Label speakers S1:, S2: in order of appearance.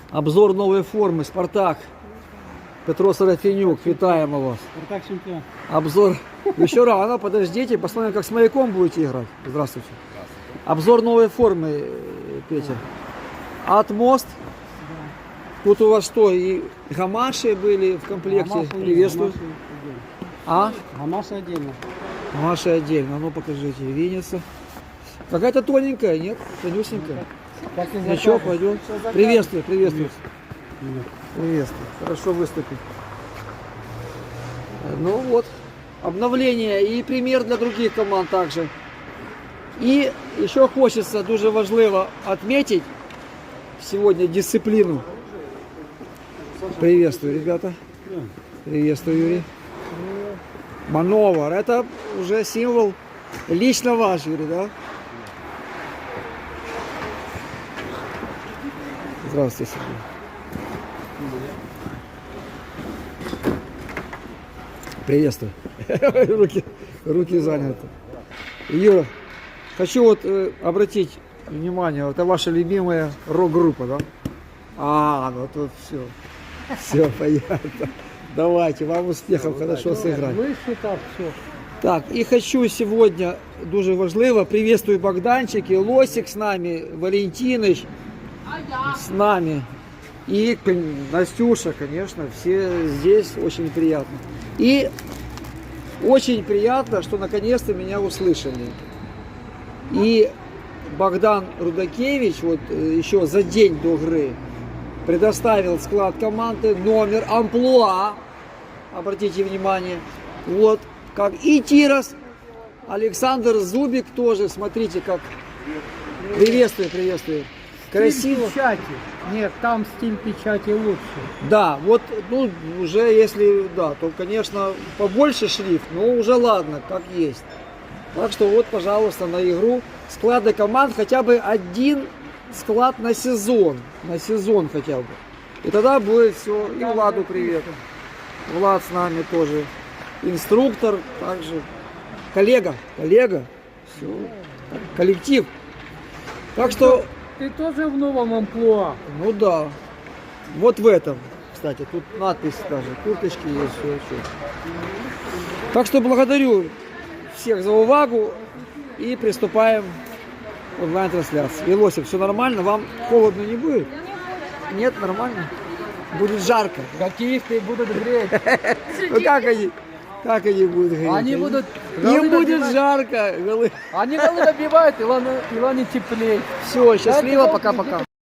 S1: Обзор новой формы «Спартак». Петро Сарафенюк, витаем вас.
S2: Спартак чемпион.
S1: Обзор. Еще рано, подождите, посмотрим, как с Маяком будете играть. Здравствуйте. Обзор новой формы, Петя. Атмост. Тут у вас что, и гамаши были в комплекте?
S2: Гамаши
S1: Приветствую. А?
S2: Гамаши отдельно.
S1: Гамаши отдельно. Ну покажите, винница. Какая-то тоненькая, нет? Тонюсенькая.
S2: Как и
S1: Ничего, пойдем. Приветствую, приветствую.
S2: Нет.
S1: Приветствую. Хорошо выступил. Ну вот, обновление и пример для других команд также. И еще хочется дуже важливо отметить сегодня дисциплину. Приветствую, ребята. Приветствую, Юрий. Мановар, это уже символ лично ваш, Юрий, да? Здравствуйте, Сергей. Приветствую. руки заняты. Юра, хочу вот обратить внимание, это ваша любимая рок-группа, да? А, ну тут все. Все понятно. Давайте, вам успехов, хорошо сыграть.
S2: Выше так, все.
S1: Так, и хочу сегодня, дуже важливо, приветствую Богданчик и Лосик с нами, Валентиныч с нами. И Настюша, конечно, все здесь, очень приятно. И очень приятно, что наконец-то меня услышали. И Богдан Рудакевич, вот еще за день до игры, предоставил склад команды, номер, амплуа, обратите внимание, вот, как и Тирос, Александр Зубик тоже, смотрите, как, приветствую, приветствую. Красиво.
S2: Стиль печати. Нет, там стиль печати лучше.
S1: Да, вот, ну, уже если, да, то, конечно, побольше шрифт, но уже ладно, как есть. Так что вот, пожалуйста, на игру склады команд хотя бы один склад на сезон хотя бы. И тогда будет все. И Владу привет. Влад с нами тоже. Инструктор, также коллега, все, коллектив. Так что,
S2: Ты тоже в новом амплуа.
S1: ну да, вот в этом, кстати, тут надпись даже, курточки есть, все. Так что благодарю всех за увагу и приступаем к онлайн-трансляции. Велосик, все нормально? Вам холодно не будет? Нет, нормально? Будет жарко.
S2: Хоккеисты будут греть.
S1: Ну как они будут греть?
S2: Они будут...
S1: Им будет жарко.
S2: Они голы добивают, Илоне теплее.
S1: Все, счастливо, пока-пока.